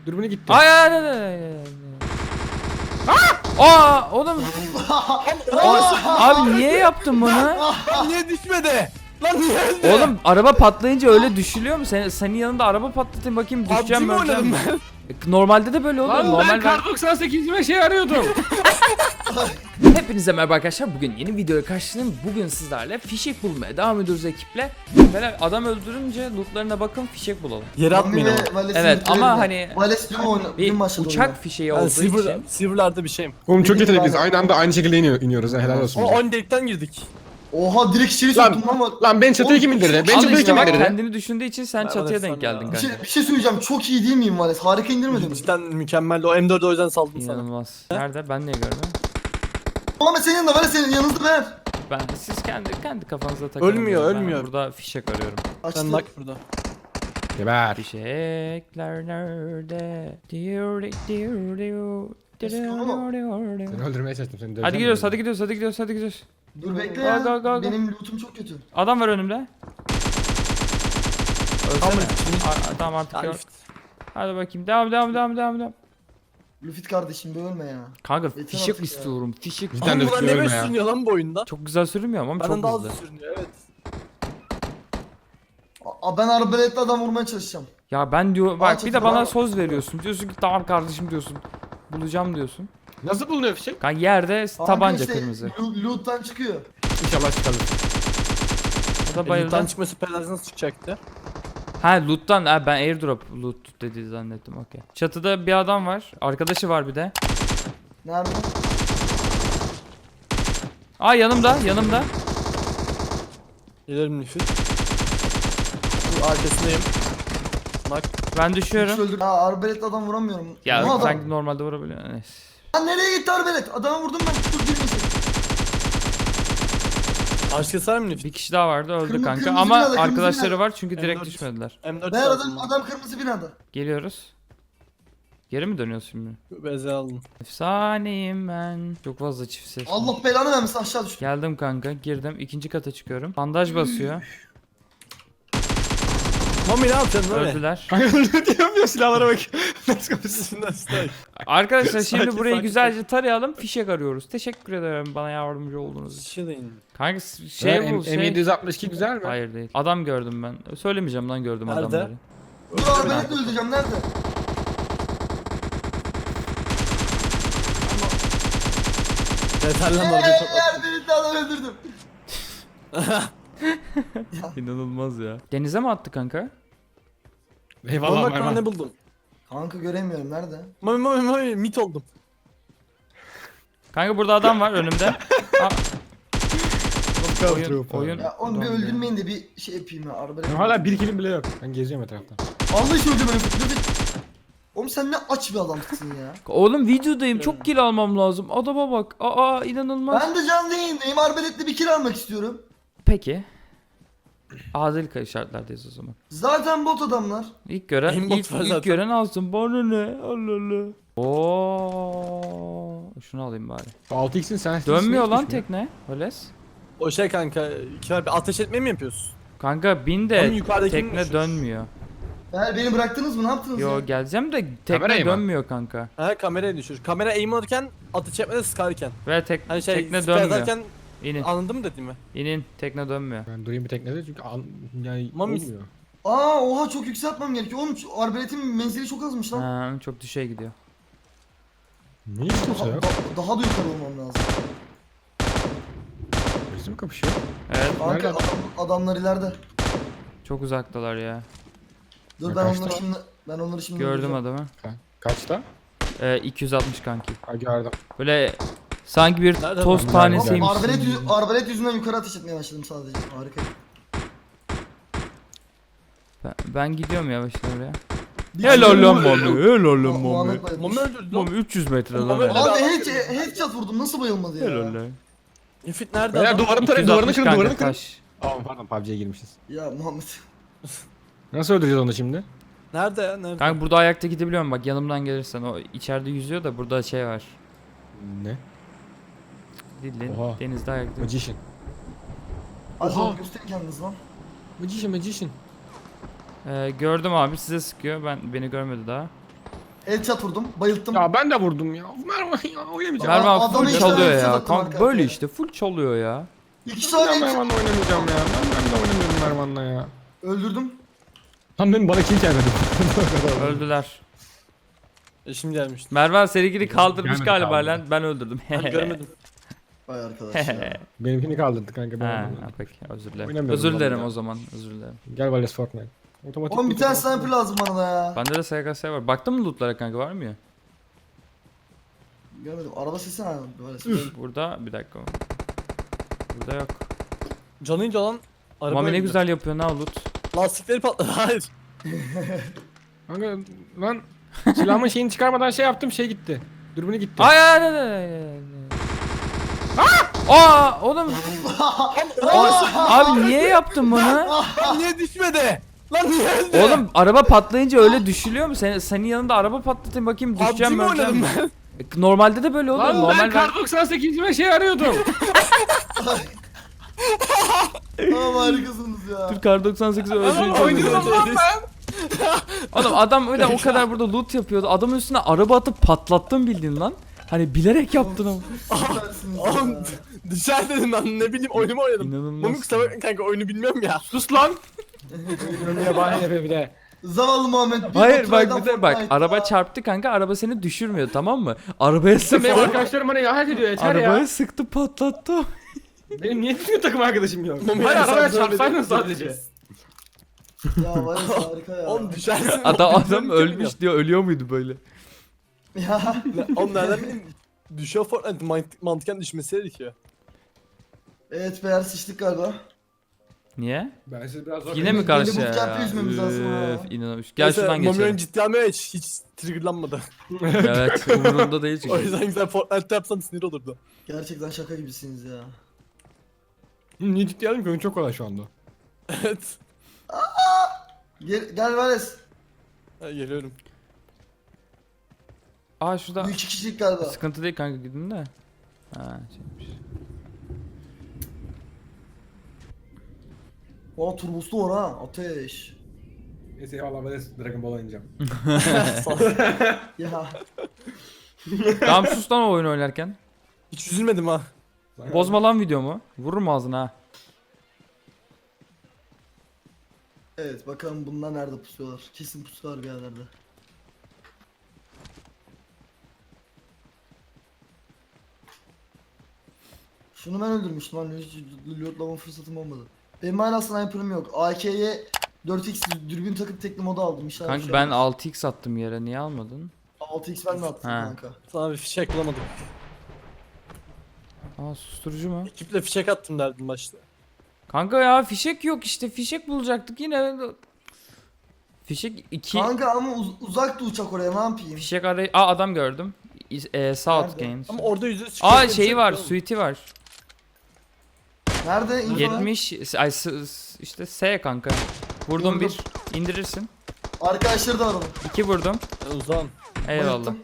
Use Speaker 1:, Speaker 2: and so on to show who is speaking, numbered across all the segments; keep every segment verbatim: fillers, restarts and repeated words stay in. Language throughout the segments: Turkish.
Speaker 1: Dürbünü gitti.
Speaker 2: Ay ay ay ay. Aa oğlum. Abi niye yaptın bunu?
Speaker 3: Niye düşmedi? Lan niye öldü?
Speaker 2: Oğlum araba patlayınca öyle düşülüyor mu? Sen, senin yanında araba patlatayım bakayım düşeceğim
Speaker 3: P U B G mi
Speaker 2: öleceğim.
Speaker 3: oynadım ben?
Speaker 2: Normalde de böyle olur.
Speaker 1: Lan
Speaker 2: Normal
Speaker 1: ben kar doksan sekizime şey arıyordum.
Speaker 2: Hepinize merhaba arkadaşlar. Bugün yeni videoya karşınızdayım. Bugün sizlerle fişek bulmaya devam ediyoruz ekiple. Böyle adam öldürünce lootlarına bakın fişek bulalım.
Speaker 3: Yere atmayın ama.
Speaker 2: Evet ama hani bir uçak fişeği
Speaker 3: Ben
Speaker 2: olduğu
Speaker 3: silver,
Speaker 2: için.
Speaker 3: silver'larda bir şeyim.
Speaker 1: Oğlum çok
Speaker 4: Dedim
Speaker 1: yetenekliyiz.
Speaker 4: ben-
Speaker 1: Aynı anda aynı şekilde iniyor, iniyoruz. ha, Helal olsun.
Speaker 3: O
Speaker 1: bize.
Speaker 3: on delikten girdik.
Speaker 4: Oha direkt içeri
Speaker 1: Lan,
Speaker 4: soktum lan bak.
Speaker 1: lan ben çatıyı kim indirdi? Ben
Speaker 2: Al
Speaker 1: çatıyı
Speaker 2: işte
Speaker 1: kim
Speaker 2: bak
Speaker 1: indirdi?
Speaker 2: kendini düşündüğü için sen
Speaker 3: Ben
Speaker 2: çatıya
Speaker 3: bana
Speaker 2: denk geldin
Speaker 3: sanmıyorum.
Speaker 4: Bir
Speaker 2: kanka.
Speaker 4: şey, bir şey söyleyeceğim, çok iyi değil miyim Vales? Harika indirmedim.
Speaker 3: Cidden mükemmel. O M dördü o yüzden saldım sana.
Speaker 2: İnanılmaz. Nerede? Ben niye görmüyorum?
Speaker 4: Ama senin yanında Vales, senin yanınızda ver.
Speaker 2: Ben siz kendi kendi kafanıza takılın.
Speaker 3: Ölmüyor,
Speaker 2: Ben
Speaker 3: ölmüyor.
Speaker 2: burada fişek arıyorum.
Speaker 3: Sen
Speaker 4: Açtı.
Speaker 3: bak burada.
Speaker 1: Geber.
Speaker 2: Fişekler nerede? Diyor diyor diyor.
Speaker 1: Seni öldürmeye çalıştım. Seni
Speaker 2: Hadi gidiyoruz, hadi gidiyoruz, hadi gidiyoruz, hadi gidiyoruz.
Speaker 4: Dur bekle
Speaker 2: Go,
Speaker 4: ya.
Speaker 2: go, go, go.
Speaker 4: Benim lootum çok kötü.
Speaker 2: Adam var önümde.
Speaker 3: Tamam,
Speaker 2: Ölsene.
Speaker 3: şimdi-
Speaker 2: Aa, tamam artık
Speaker 3: Yani
Speaker 2: yok. Hadi bakayım. Devam, devam, devam, devam, devam.
Speaker 4: Lufit kardeşim bölme ya.
Speaker 2: Kanka
Speaker 4: Yeter
Speaker 2: fişek
Speaker 4: artık ya.
Speaker 2: istiyorum. Fişek.
Speaker 1: Cidden
Speaker 3: Ama
Speaker 1: de
Speaker 3: bunlar ne
Speaker 1: ölme
Speaker 3: böyle
Speaker 1: ya.
Speaker 3: sürünüyor lan bu oyunda?
Speaker 2: Çok güzel sürünmüyor ama
Speaker 3: Benden
Speaker 2: çok
Speaker 3: daha
Speaker 2: hızlı.
Speaker 3: hızlı sürünüyor evet.
Speaker 4: Aa, ben arbaletle adam vurmaya çalışacağım.
Speaker 2: Ya ben diyor
Speaker 4: Aa,
Speaker 2: bak bir
Speaker 4: çok
Speaker 2: de bana
Speaker 4: bravo.
Speaker 2: söz veriyorsun. Diyorsun ki tamam kardeşim diyorsun. Bulacağım diyorsun.
Speaker 1: Nasıl bulunuyor fişek?
Speaker 2: Kanka yerde
Speaker 4: Kanka
Speaker 2: tabanca
Speaker 4: işte,
Speaker 2: kırmızı.
Speaker 4: lo- Loot'tan çıkıyor.
Speaker 1: İnşallah çıkalım.
Speaker 2: O da
Speaker 3: Loot'tan
Speaker 2: bayıldı.
Speaker 3: çıkma süperlerden nasıl çıkacaktı?
Speaker 2: Ha loot'tan ha, ben airdrop loot dedi zannettim okey. Çatıda bir adam var. Arkadaşı var bir de.
Speaker 4: Nerede?
Speaker 2: Aa yanımda yanımda.
Speaker 3: Gelirim nüfus. Dur arkasındayım. Bak.
Speaker 2: Ben
Speaker 4: Hiç
Speaker 2: düşüyorum.
Speaker 4: öldür. Ya arbaletle adam vuramıyorum.
Speaker 2: Ya
Speaker 4: Ne adam?
Speaker 2: sanki normalde vurabiliyor. Neyse.
Speaker 4: Lan nereye gitti arbalet? Adamı vurdum ben. Dur girmesin.
Speaker 3: Arkası var mı nüfus?
Speaker 2: Bir kişi daha vardı öldü
Speaker 4: Kırmızı-
Speaker 2: kanka
Speaker 4: kırmızı
Speaker 2: ama
Speaker 4: binada, kırmızı
Speaker 2: arkadaşları
Speaker 4: binada.
Speaker 2: var çünkü direkt
Speaker 3: M dört.
Speaker 2: düşmediler.
Speaker 3: M dört
Speaker 4: Ben
Speaker 3: aldım
Speaker 4: adam, adam kırmızı binada.
Speaker 2: Geliyoruz. Geri mi dönüyoruz şimdi?
Speaker 3: ben. Beze aldım.
Speaker 2: Efsaneyim ben. Çok fazla çift ses.
Speaker 4: Allah belanı vermesin, aşağı düştüm.
Speaker 2: Geldim kanka girdim ikinci kata çıkıyorum. Bandaj basıyor.
Speaker 3: Mami ne yapacaksın böyle?
Speaker 2: Öldüler.
Speaker 1: Kanka öldü diyemiyor silahlara bak. Nasıl kapısın?
Speaker 3: Üstünden üstünden.
Speaker 2: Arkadaşlar şimdi
Speaker 3: Sakin,
Speaker 2: burayı
Speaker 3: sakin.
Speaker 2: güzelce tarayalım. Fişek arıyoruz. Teşekkür ederim bana yardımcı olduğunuz için.
Speaker 3: Şirin.
Speaker 2: Kanka s- şey bu şey.
Speaker 1: M yedi yüz altmış iki güzel mi?
Speaker 2: Hayır değil. Adam gördüm ben. Söylemeyeceğim lan gördüm
Speaker 3: Nerede?
Speaker 2: adamları.
Speaker 4: Dur arbaletle öldüreceğim, nerede?
Speaker 3: Yeter lan orada
Speaker 4: Eee
Speaker 3: patlat.
Speaker 4: arbaletle adam öldürdüm.
Speaker 2: İnanılmaz ya. Denize mi attı kanka?
Speaker 1: Eyvallah
Speaker 3: Oğlum bak
Speaker 1: Mervan.
Speaker 3: lan ne buldum.
Speaker 4: Kanka göremiyorum, nerede?
Speaker 3: Mami mami mami mit oldum.
Speaker 2: Kanka burada adam var önümde. Aa, oyun,
Speaker 1: Trooper.
Speaker 2: oyun.
Speaker 4: Ya onu bir
Speaker 2: Ulan be.
Speaker 4: öldürmeyin de bir şey yapayım ya arbalet.
Speaker 1: Benim hala bir kilim bile yok. Ben geziyorum etrafta.
Speaker 4: Allah için öldürme Lufit. Lufit. Oğlum sen ne aç bir adamsın ya.
Speaker 2: Oğlum videodayım çok kill almam lazım. Adama bak. Aa inanılmaz.
Speaker 4: Ben de canlı yayındayım, arbaletle bir kill almak istiyorum.
Speaker 2: Peki. Adil şartlardayız o zaman.
Speaker 4: Zaten bot adamlar.
Speaker 2: İlk gören
Speaker 3: Aimbot
Speaker 2: ilk,
Speaker 3: var
Speaker 2: ilk
Speaker 3: zaten.
Speaker 2: gören alsın. Bana ne? Allah Allah. Oo, şunu alayım bari.
Speaker 1: altı x'in sen
Speaker 2: Dönmüyor lan tekne. Vales.
Speaker 3: O şey kanka, iki bir ateş etmeyi mi yapıyorsun?
Speaker 2: Kanka bin
Speaker 3: Oğlum
Speaker 2: de
Speaker 3: yukarıdakini
Speaker 2: tekne
Speaker 3: düşür.
Speaker 2: dönmüyor.
Speaker 4: Eğer beni bıraktınız mı, ne yaptınız
Speaker 2: Yo
Speaker 4: ya?
Speaker 2: geleceğim de tekne
Speaker 1: Kamerayı mı?
Speaker 2: dönmüyor kanka.
Speaker 3: He kamerayı düşür. Kamera aim alırken ateş etmede sıkarken.
Speaker 2: Ve tek,
Speaker 3: Hani şey
Speaker 2: tekne
Speaker 3: süper
Speaker 2: dönmüyor.
Speaker 3: atarken
Speaker 2: İnin.
Speaker 3: anladın mı dediğimi?
Speaker 2: İnin. Tekne dönmüyor.
Speaker 1: Ben durayım bir teknede çünkü an, yani
Speaker 3: Mami-
Speaker 1: olmuyor.
Speaker 4: Aa oha, çok yükseltmem gerekiyor. Oğlum şu arbaletin menzili çok azmış lan.
Speaker 2: Ha, çok düşeye gidiyor.
Speaker 1: Niye hiç kimse
Speaker 4: Daha,
Speaker 1: yok?
Speaker 4: da- daha da yukarı olmam lazım.
Speaker 1: Birisi mi kapışıyor?
Speaker 2: Evet.
Speaker 4: Kanka
Speaker 1: Nerede?
Speaker 4: adam, adamlar ileride.
Speaker 2: Çok uzaktalar ya.
Speaker 4: Dur
Speaker 1: Ya
Speaker 4: ben
Speaker 1: kaçta?
Speaker 4: onları şimdi ben onları şimdi
Speaker 2: Gördüm
Speaker 4: öldüreceğim.
Speaker 2: adamı.
Speaker 1: Ha, kaçta?
Speaker 2: Ee, iki yüz altmış kanki.
Speaker 1: Ha gördüm.
Speaker 2: Böyle sanki bir
Speaker 3: Nerede
Speaker 2: toz
Speaker 3: adam?
Speaker 2: tanesiymiş.
Speaker 4: Oğlum, arbalet, yüz, arbalet yüzünden yukarı ateş etmeye başladım sadece. Harika.
Speaker 2: Ben, ben gidiyorum yavaştan oraya.
Speaker 4: Bir
Speaker 2: Helal
Speaker 4: sürü-
Speaker 2: lan Mami. Helal lan
Speaker 4: Mu-
Speaker 2: Mami.
Speaker 4: Muhammed bayılmış.
Speaker 3: Mami öldürdü
Speaker 2: Mami
Speaker 3: lan.
Speaker 2: üç yüz metre lan.
Speaker 3: Mami
Speaker 2: helal.
Speaker 3: öyle-
Speaker 4: Abi head, headshot vurdum, nasıl bayılmadı ya?
Speaker 2: Helal lan.
Speaker 3: Nefit nerede
Speaker 1: Beyler
Speaker 3: adam?
Speaker 1: duvarını tarayın,
Speaker 2: iki yüz
Speaker 1: duvarını
Speaker 2: altmış
Speaker 1: kırın,
Speaker 2: kanka,
Speaker 1: duvarını kırın.
Speaker 2: taş.
Speaker 1: Aa pardon P U B G'ye girmişiz.
Speaker 4: Ya Muhammed.
Speaker 1: Nasıl öldüreceğiz onu şimdi?
Speaker 3: Nerede ya? Nerede?
Speaker 2: Kanka burada ayakta gidebiliyorum bak yanımdan gelirsen. O içeride yüzüyor da burada şey var.
Speaker 1: Ne?
Speaker 2: Dillin
Speaker 1: Oha.
Speaker 2: denizde ayakta.
Speaker 1: Magician.
Speaker 4: Hadi
Speaker 1: Oha.
Speaker 4: oğlum, gösterin kendiniz lan.
Speaker 1: Magician, Magician.
Speaker 2: Ee, gördüm abi size sıkıyor. Ben beni görmedi daha.
Speaker 4: Headshot vurdum. Bayılttım.
Speaker 1: Ya ben de vurdum ya. Mervan ya oynamayacağım.
Speaker 2: Merve abi
Speaker 4: adamı
Speaker 2: full
Speaker 4: işte
Speaker 2: çalıyor
Speaker 4: ben
Speaker 2: ya.
Speaker 4: fırlattım
Speaker 2: Kanka
Speaker 4: arka
Speaker 2: böyle
Speaker 4: arkaya.
Speaker 2: işte full çalıyor ya.
Speaker 4: İki
Speaker 1: Ben
Speaker 4: saniye.
Speaker 1: Mervan'la oynamayacağım ya. Ben, ben de oynamıyorum Mervan'la ya.
Speaker 4: Öldürdüm.
Speaker 1: Tam benim bana kill gelmedi.
Speaker 2: Öldüler.
Speaker 3: E, şimdi gelmişti.
Speaker 2: Mervan serigini kaldırmış
Speaker 1: Gelmedi,
Speaker 2: galiba
Speaker 1: kaldı.
Speaker 2: lan. Ben öldürdüm.
Speaker 3: Ben görmedim.
Speaker 4: Vay arkadaş ya.
Speaker 1: Benimkini kaldırdı kanka. Ben
Speaker 2: Ha,
Speaker 1: oynadım.
Speaker 2: ha, peki özür dilerim.
Speaker 1: Oynamıyorum
Speaker 2: Özür
Speaker 1: ben
Speaker 2: dilerim
Speaker 1: ya.
Speaker 2: o zaman. Özür dilerim.
Speaker 1: Gel Vales Fortnite. Otomatik
Speaker 4: Oğlum bir tane
Speaker 1: otomatik.
Speaker 4: sniper lazım bana da ya.
Speaker 2: Bende de S K S var. Baktın mı lootlara kanka, var mı ya?
Speaker 4: Görmedim. Araba sesi ne? Böyle ses.
Speaker 2: Burada bir dakika. Burada yok.
Speaker 3: Canıyla olan araba
Speaker 2: Mami ne
Speaker 3: öldü.
Speaker 2: güzel yapıyor, ne loot.
Speaker 3: Lastikleri patladı. Hayır.
Speaker 1: Kanka lan silahımın şeyini çıkarmadan şey yaptım şey gitti. Dürbünü gitti.
Speaker 2: Ay ay ay ay, ay, ay. Aa oğlum. Abi niye yaptın bunu?
Speaker 3: Lan niye düşmedi? Lan niye öldü?
Speaker 2: Oğlum araba patlayınca öyle düşülüyor mu? Sen, senin yanında araba patlatayım bakayım,
Speaker 3: P U B G
Speaker 2: düşeceğim
Speaker 3: mi
Speaker 2: mi
Speaker 3: oynadım
Speaker 2: öleceğim.
Speaker 3: ben?
Speaker 2: E, Normalde de böyle olur.
Speaker 1: Lan
Speaker 2: Normal
Speaker 1: ben kar doksan sekizime şey arıyordum.
Speaker 4: Tamam harikasınız ya.
Speaker 2: Dur kar doksan sekize
Speaker 1: Ama
Speaker 2: özür
Speaker 1: oynuyorum lan ben.
Speaker 2: Oğlum adam öyle o kadar burada loot yapıyordu. Adamın üstüne araba atıp patlattın bildiğin lan. Hani bilerek yaptın ama.
Speaker 4: Süpersiniz
Speaker 3: Oğlum
Speaker 4: ya.
Speaker 3: dışarı dedim lan, ne bileyim oyunumu oynadım.
Speaker 2: İnanılmaz.
Speaker 3: Mami kusura bakma kanka, oyunu bilmiyorum ya.
Speaker 1: Sus lan. Ya bahane yapıyor bir de.
Speaker 4: Zavallı Muhammed. bir
Speaker 2: Hayır
Speaker 4: Baturay'dan
Speaker 2: bak bir de bak
Speaker 4: Fortnite
Speaker 2: araba
Speaker 4: ya.
Speaker 2: çarptı kanka, araba seni düşürmüyor, tamam mı? Arabaya
Speaker 1: Sen benim
Speaker 2: sıktı.
Speaker 1: arkadaşlarım bana yahat ediyor yeter
Speaker 2: Arabaya
Speaker 1: ya.
Speaker 2: sıktı patlattı.
Speaker 1: Benim niye düzgün takım arkadaşım yok?
Speaker 3: Mami
Speaker 1: Hayır
Speaker 3: ya,
Speaker 1: arabaya
Speaker 3: sen böyle
Speaker 1: çarpsaydın
Speaker 3: bir-
Speaker 1: sadece.
Speaker 4: Ya var ya harika ya.
Speaker 3: Oğlum düşersin.
Speaker 2: Adam adam ölmüş diyor, ölüyor muydu böyle?
Speaker 4: Ya.
Speaker 3: Oğlum nereden bileyim? Düşüyor Fortnite, mant mantıken düşmesi gerekiyor.
Speaker 4: Evet beyler sıçtık galiba.
Speaker 2: Niye?
Speaker 1: Ben siz biraz zor.
Speaker 2: Yine mi
Speaker 4: Deli
Speaker 2: karşı
Speaker 4: bootcamp'ı
Speaker 2: ya?
Speaker 4: yüzmemiz lazım ha.
Speaker 2: Üf, inanılmış. Gel şuradan
Speaker 3: Mami'nin
Speaker 2: geçelim.
Speaker 3: ciddi almaya hiç, hiç triggerlanmadı.
Speaker 2: Evet umurumda değil
Speaker 3: O
Speaker 2: çünkü.
Speaker 3: yüzden güzel Fortnite yapsan sinir olurdu.
Speaker 4: Gerçekten şaka gibisiniz ya.
Speaker 1: Niye ciddi aldım ki oyun çok kolay şu anda.
Speaker 3: Evet.
Speaker 4: Gel, gel Vales.
Speaker 3: Ha, geliyorum.
Speaker 2: Aa şurada.
Speaker 4: Bu iki kişilik galiba.
Speaker 2: Sıkıntı değil kanka, gidin de. Ha şeymiş.
Speaker 4: Aa turboslu var ha. Ateş.
Speaker 1: Neyse eyvallah ben de Dragon Ball oynayacağım.
Speaker 4: Ya.
Speaker 2: Tamam sus lan o oyun oynarken.
Speaker 3: Hiç üzülmedim ha.
Speaker 2: Bozma lan videomu. Vururum ağzına ha.
Speaker 4: Evet bakalım bunlar nerede pusuyorlar. Kesin pusuyorlar bir yerlerde. Şunu ben öldürmüştüm hani hiç lootlama fırsatım olmadı. Benim hala sniper'ım yok. A K'ye dört x dürbün takıp tekli moda aldım. İnşallah bir
Speaker 2: Kanka
Speaker 4: şey
Speaker 2: ben
Speaker 4: olmaz.
Speaker 2: altı x attım yere, niye almadın?
Speaker 4: altı x ben de attım
Speaker 2: Ha.
Speaker 4: kanka.
Speaker 3: Sana bir fişek bulamadım.
Speaker 2: Aa susturucu mu?
Speaker 3: Ekiple fişek attım derdim başta.
Speaker 2: Kanka ya fişek yok işte, fişek bulacaktık yine. Fişek iki.
Speaker 4: Kanka ama uz uzaktı uçak oraya ne yapayım?
Speaker 2: Fişek arayı. Aa adam gördüm. İz- E, South
Speaker 4: Nerede?
Speaker 2: Games.
Speaker 3: Ama orada yüzde yüz
Speaker 2: Aa
Speaker 3: fişek
Speaker 2: şeyi
Speaker 3: yok
Speaker 2: var,
Speaker 3: oğlum.
Speaker 2: suite'i var.
Speaker 4: Nerede? İnfo ver.
Speaker 2: yetmiş ay s- s- işte S kanka. Vurdum
Speaker 4: Vurdum.
Speaker 2: bir. İndirirsin.
Speaker 4: Arkadaşları da var onun.
Speaker 2: İki vurdum.
Speaker 3: Ya uzan.
Speaker 2: Eyvallah.
Speaker 4: Bayılttım.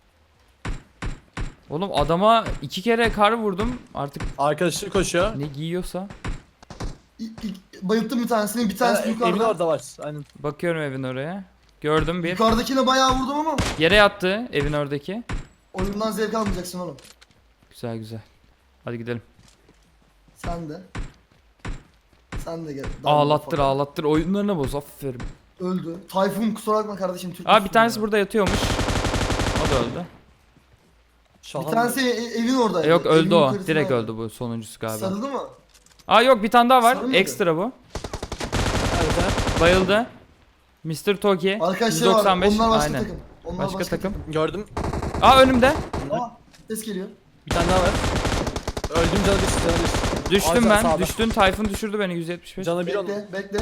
Speaker 2: Oğlum adama iki kere kar vurdum. Artık
Speaker 3: Arkadaşı koşuyor.
Speaker 2: ne giyiyorsa.
Speaker 4: İ- ilk- bayılttım bir tanesini bir tanesi
Speaker 3: Ha, Emin
Speaker 4: yukarıda.
Speaker 3: orada var. Aynen.
Speaker 2: Bakıyorum evin oraya. Gördüm bir.
Speaker 4: Yukarıdakine bayağı vurdum ama
Speaker 2: Yere yattı evin oradaki.
Speaker 4: oyundan zevk almayacaksın oğlum.
Speaker 2: Güzel güzel. Hadi gidelim.
Speaker 4: Sen de. Sen de gel.
Speaker 2: Ağlattır ağlattır, oyunlarına boz, aferin.
Speaker 4: Öldü. Tayfun kusura bakma kardeşim. Türk
Speaker 2: Aa bir
Speaker 4: müsün
Speaker 2: tanesi
Speaker 4: ya?
Speaker 2: burada yatıyormuş. O da öldü.
Speaker 3: Şahan.
Speaker 4: Bir tanesi e- evin oradaydı.
Speaker 2: E, yok öldü
Speaker 4: Evin
Speaker 2: o.
Speaker 4: yukarısında
Speaker 2: Direkt
Speaker 4: vardı.
Speaker 2: öldü bu sonuncusu galiba.
Speaker 4: Sarıldı mı?
Speaker 2: Aa yok bir tane daha var.
Speaker 4: Sarılmadı.
Speaker 2: Ekstra bu.
Speaker 3: Evet, ha.
Speaker 2: Bayıldı. mister Toki.
Speaker 4: Arkadaşlar
Speaker 2: yüz doksan beş.
Speaker 4: var. Onlar başka
Speaker 2: Aynen.
Speaker 4: takım. Onlar
Speaker 2: Başka takım.
Speaker 3: Gördüm.
Speaker 2: Aa önümde.
Speaker 4: Aa, ses geliyor.
Speaker 3: Bir tane daha var. Öldüm, canı bir, canı bir.
Speaker 2: Düştüm
Speaker 3: Aa,
Speaker 2: ben.
Speaker 3: sağda.
Speaker 2: Düştün. Tayfun düşürdü beni yüz yetmiş beş.
Speaker 3: Canı bir oldu.
Speaker 4: Bekle, bekle.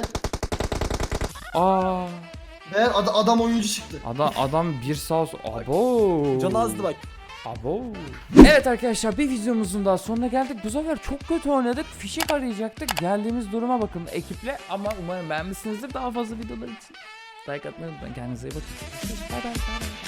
Speaker 2: Aa.
Speaker 4: Meğer ad- adam oyuncu çıktı.
Speaker 2: Adam adam bir sağ olsun. Abo.
Speaker 3: Canı azdı bak.
Speaker 2: Abo. Evet arkadaşlar bir videomuzun daha sonuna geldik. Bu sefer çok kötü oynadık. Fişek arayacaktık. Geldiğimiz duruma bakın ekiple. Ama umarım beğenmişsinizdir. Daha fazla videolar için like atmayı unutmayın. Kendinize iyi bakın. Bay bay.